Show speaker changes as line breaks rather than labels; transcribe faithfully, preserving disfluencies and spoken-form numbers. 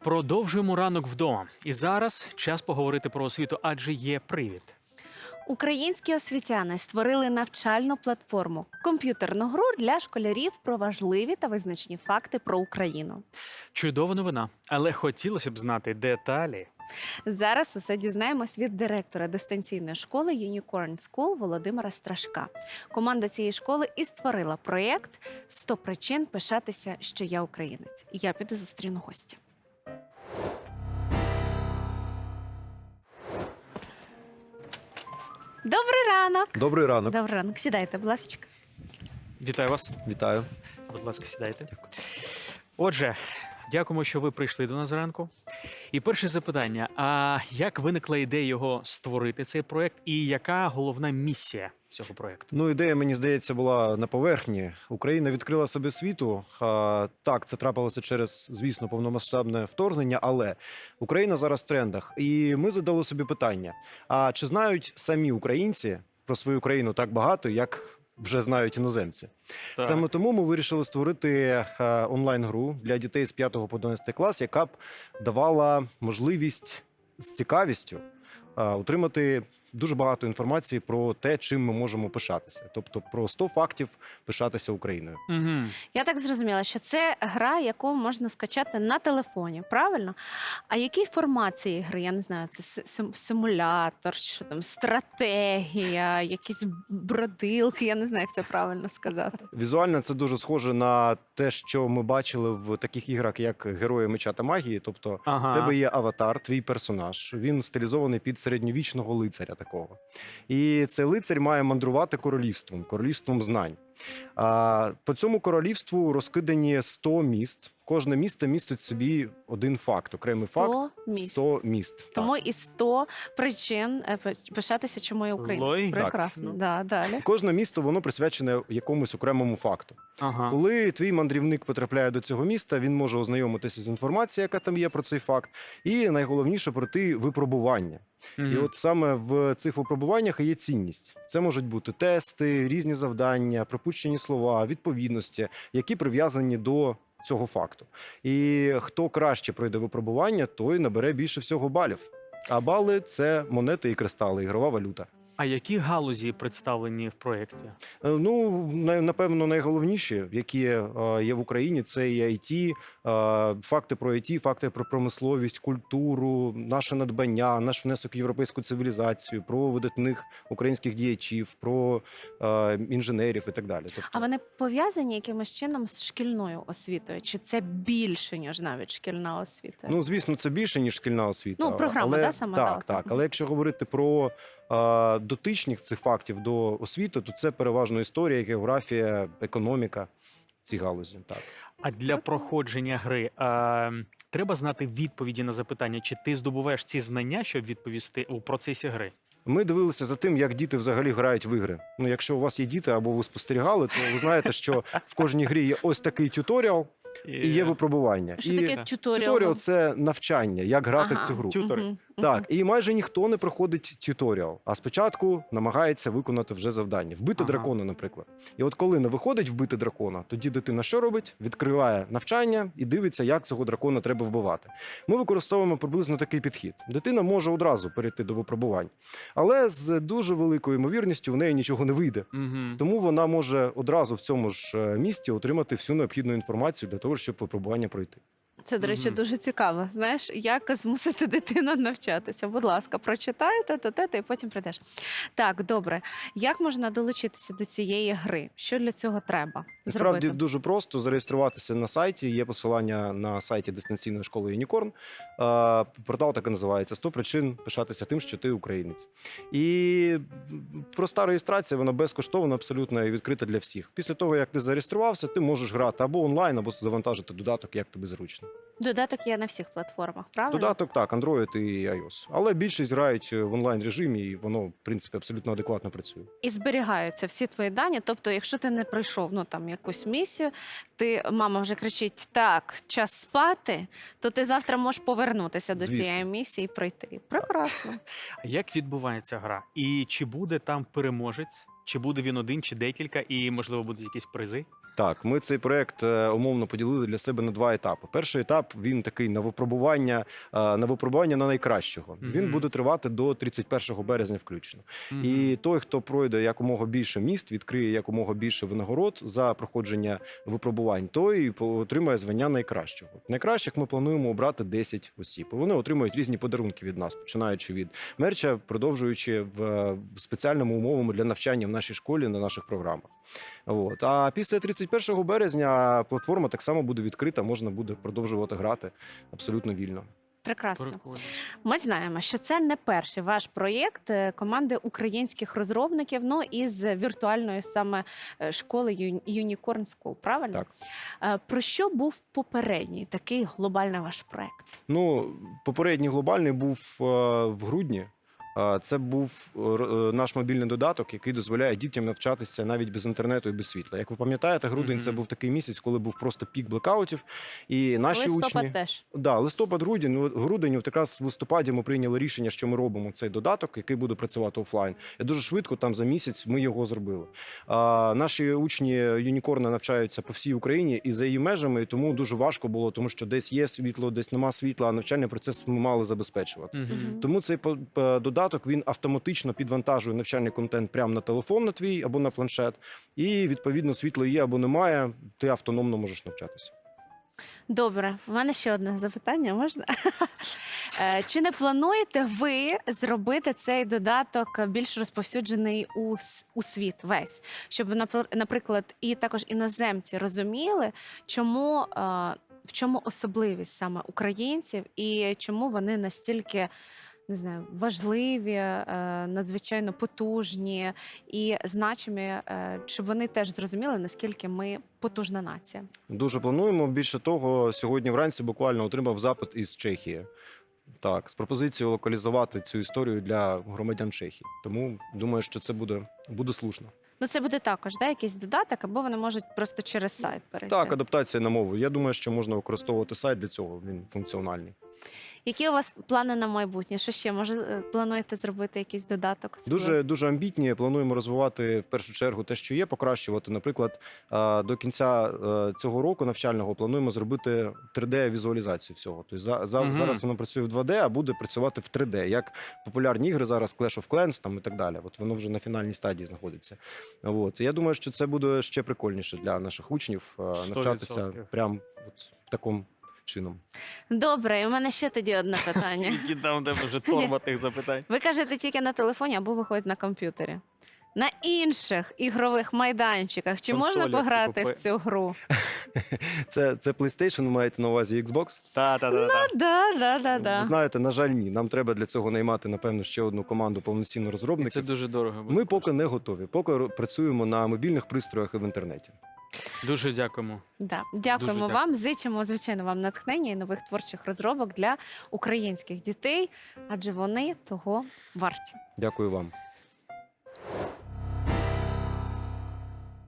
Продовжуємо ранок вдома. І зараз час поговорити про освіту, адже є привід.
Українські освітяни створили навчальну платформу – комп'ютерну гру для школярів про важливі та визначні факти про Україну.
Чудова новина, але хотілося б знати деталі.
Зараз усе дізнаємось від директора дистанційної школи Unicorn School Володимира Страшка. Команда цієї школи і створила проєкт «сто причин пишатися, що я українець». Я піду зустріну гостя. Добрий ранок!
Добрий ранок.
Добрий ранок. Сідайте, будь ласка.
Вітаю вас.
Вітаю.
Будь ласка, сідайте. Отже, дякуємо, що ви прийшли до нас зранку. І перше запитання. А як виникла ідея його створити, цей проєкт, і яка головна місія цього проєкту?
Ну, ідея, мені здається, була на поверхні. Україна відкрила себе світу. А, так, це трапилося через, звісно, повномасштабне вторгнення, але Україна зараз в трендах. І ми задали собі питання, а чи знають самі українці про свою країну так багато, як вже знають іноземці?
Так.
Саме тому ми вирішили створити е, онлайн-гру для дітей з п'ятого по одинадцятий клас, яка б давала можливість з цікавістю е, отримати дуже багато інформації про те, чим ми можемо пишатися. Тобто про сто фактів пишатися Україною.
Угу.
Я так зрозуміла, що це гра, яку можна скачати на телефоні, правильно? А який формат цієї гри? Я не знаю, це сим- симулятор, що там, стратегія, якісь бродилки, я не знаю, як це правильно сказати.
Візуально це дуже схоже на те, що ми бачили в таких іграх, як Герої меча та магії. Тобто
Ага.
в тебе є аватар, твій персонаж. Він стилізований під середньовічного лицаря такого. І цей лицар має мандрувати королівством, королівством знань. А по цьому королівству розкидані сто міст. Кожне місто містить в собі один факт, окремий
сто
факт.
міст.
сто міст.
Тому і сто причин е, пи- пишатися, чому я українець.
Логічно.
Прекрасно.
Так.
Да, далі.
Кожне місто воно присвячене якомусь окремому факту.
Ага.
Коли твій мандрівник потрапляє до цього міста, він може ознайомитися з інформацією, яка там є про цей факт, і найголовніше пройти випробування.
Мгм.
І от саме в цих випробуваннях і є цінність. Це можуть бути тести, різні завдання, пропущені слова, відповідності, які прив'язані до цього факту. І хто краще пройде випробування, той набере більше всього балів. А бали – це монети і кристали, ігрова валюта.
А які галузі представлені в проєкті?
Е, Ну, на- напевно, найголовніші, які е, є в Україні, це і ай ті, е, факти про ай ті, факти про промисловість, культуру, наше надбання, наш внесок в європейську цивілізацію, про видатних українських діячів, про е, інженерів і так далі. Тобто,
А вони пов'язані якимось чином з шкільною освітою? Чи це більше, ніж навіть шкільна освіта?
ну, звісно, це більше, ніж шкільна освіта.
Ну, програма,
але,
да, сама,
так,
да,
так.
сама.
Але якщо говорити про е, дотичних цих фактів до освіти, то це переважно історія, географія, економіка, ці галузі. Так.
А для проходження гри а, треба знати відповіді на запитання, чи ти здобуваєш ці знання, щоб відповісти у процесі гри?
Ми дивилися за тим, як діти взагалі грають в ігри. Ну, якщо у вас є діти або ви спостерігали, то ви знаєте, що в кожній грі є ось такий тюторіал і є випробування.
Що
і
таке
так.
тюторіал?
тюторіал – це навчання, як грати
Ага.
в цю гру.
Тютори.
Мгм,
Так,
мгм.
і майже ніхто не проходить тюторіал, а спочатку намагається виконати вже завдання. Вбити
Ага.
дракона, наприклад. І от коли не виходить вбити дракона, тоді дитина що робить? Відкриває навчання і дивиться, як цього дракона треба вбивати. Ми використовуємо приблизно такий підхід. Дитина може одразу перейти до випробувань, але з дуже великою ймовірністю в неї нічого не вийде.
Угу.
Тому вона може одразу в цьому ж е, місті отримати всю необхідну інформацію для того, щоб випробування пройти.
Це, до речі,
Мгм.
дуже цікаво. Знаєш, як змусити дитину навчатися? Будь ласка, прочитайте, то те, і потім прийдеш. Так, добре. Як можна долучитися до цієї гри? Що для цього треба
Насправді
зробити?
дуже просто зареєструватися на сайті. Є посилання на сайті дистанційної школи Unicorn. Е, Портал так і називається «сто причин пишатися тим, що ти українець». І проста реєстрація, вона безкоштовна, абсолютно і відкрита для всіх. Після того, як ти зареєструвався, ти можеш грати або онлайн, або завантажити додаток, як тобі зручно.
Додаток є на всіх платформах, правильно?
Додаток так, Android і iOS. Але більшість грають в онлайн режимі, і воно, в принципі, абсолютно адекватно працює.
І зберігаються всі твої дані. Тобто, якщо ти не пройшов ну, там, якусь місію, ти, мама вже кричить, так, час спати, то ти завтра можеш повернутися до
Звісно.
цієї місії і пройти. Прекрасно.
А як відбувається гра? І чи буде там переможець? Чи буде він один, чи декілька, і, можливо, будуть якісь призи?
Так, ми цей проект е, умовно поділили для себе на два етапи. Перший етап він такий на випробування, е, на випробування на найкращого.
Мгм.
Він буде тривати до тридцять першого березня включно.
Мгм.
І той, хто пройде якомога більше міст, відкриє якомога більше винагород за проходження випробувань, той по- отримає звання найкращого. Найкращих ми плануємо обрати десять осіб. Вони отримують різні подарунки від нас, починаючи від мерча, продовжуючи в е, спеціальними умовами для навчання в нашій школі на наших програмах. От. А після тридцять першого березня платформа так само буде відкрита, можна буде продовжувати грати абсолютно вільно.
Прекрасно.
Прикольно.
Ми знаємо, що це не перший ваш проєкт е, команди українських розробників, ну із віртуальної саме е, школи Ю- Unicorn School, правильно?
Так.
Е, Про що був попередній такий глобальний ваш проєкт?
Ну, попередній глобальний був е, в грудні. Е, Це був е, р- е, наш мобільний додаток, який дозволяє дітям навчатися навіть без інтернету і без світла. Як ви пам'ятаєте, грудень це
Мгм.
був такий місяць, коли був просто пік блекаутів. І наші
Листопад
учні
теж.
Да, листопад, грудень, ну, грудень, от якраз в листопаді ми прийняли рішення, що ми робимо цей додаток, який буде працювати офлайн. І дуже швидко, там за місяць, ми його зробили. А, наші учні Юнікорна навчаються по всій Україні і за її межами, і тому дуже важко було, тому що десь є світло, десь нема світла, а навчальний процес ми мали забезпечувати.
Мгм.
Мгм.
Тому цей по- по- додаток він автоматично підвантажує навчальний контент прямо на телефон на твій або на планшет. І відповідно світло є або немає, ти автономно можеш навчатися.
Добре, у мене ще одне запитання можна? Е, Чи не плануєте ви зробити цей додаток більш розповсюджений у, с- у світ весь? Щоб, напр- наприклад, і також іноземці розуміли, чому, е, в чому особливість саме українців і чому вони настільки не знаю, важливі, е, надзвичайно потужні і значимі, е, щоб вони теж зрозуміли, наскільки ми потужна нація.
Дуже плануємо. Більше того, сьогодні вранці буквально отримав запит із Чехії. Так, з пропозицією локалізувати цю історію для громадян Чехії. Тому думаю, що це буде, буде слушно.
Ну, це буде також да, якийсь додаток, або вони можуть просто через сайт перейти.
Так, адаптація на мову. Я думаю, що можна використовувати сайт для цього. Він функціональний.
Які у вас плани на майбутнє? Що ще? Може, е, плануєте зробити якийсь додаток? особливий?
Дуже дуже амбітні. Плануємо розвивати в першу чергу те, що є, покращувати. Наприклад, е, до кінця е, цього року навчального плануємо зробити три де-візуалізацію всього. Тобто за, за,
Мгм.
зараз воно працює в два де, а буде працювати в три де, як популярні ігри зараз Clash of Clans там і так далі. От воно вже на фінальній стадії знаходиться. От я думаю, що це буде ще прикольніше для наших учнів е,
сто
навчатися
відсотків.
прямо от в такому чином.
Добре, і у мене ще тоді одне питання.
Скільки там тебе вже торба тих запитань?
Ви кажете тільки на телефоні або виходить на комп'ютері. На інших ігрових майданчиках чи можна
Консоля,
пограти
типу,
в цю гру?
Це, це PlayStation, ви маєте на увазі Xbox?
Та-та-та.
Да, да, да,
Ви
да.
знаєте, на жаль, ні. Нам треба для цього наймати, напевно, ще одну команду повноцінно
Це
розробників.
дуже дорого. буде
Ми поки
коштувати.
не готові. Поки ро- працюємо на мобільних пристроях і в інтернеті.
Дуже дякуємо.
Да. Дякуємо
Дуже
вам. Зичимо, звичайно, вам натхнення і нових творчих розробок для українських дітей, адже вони того варті.
Дякую вам.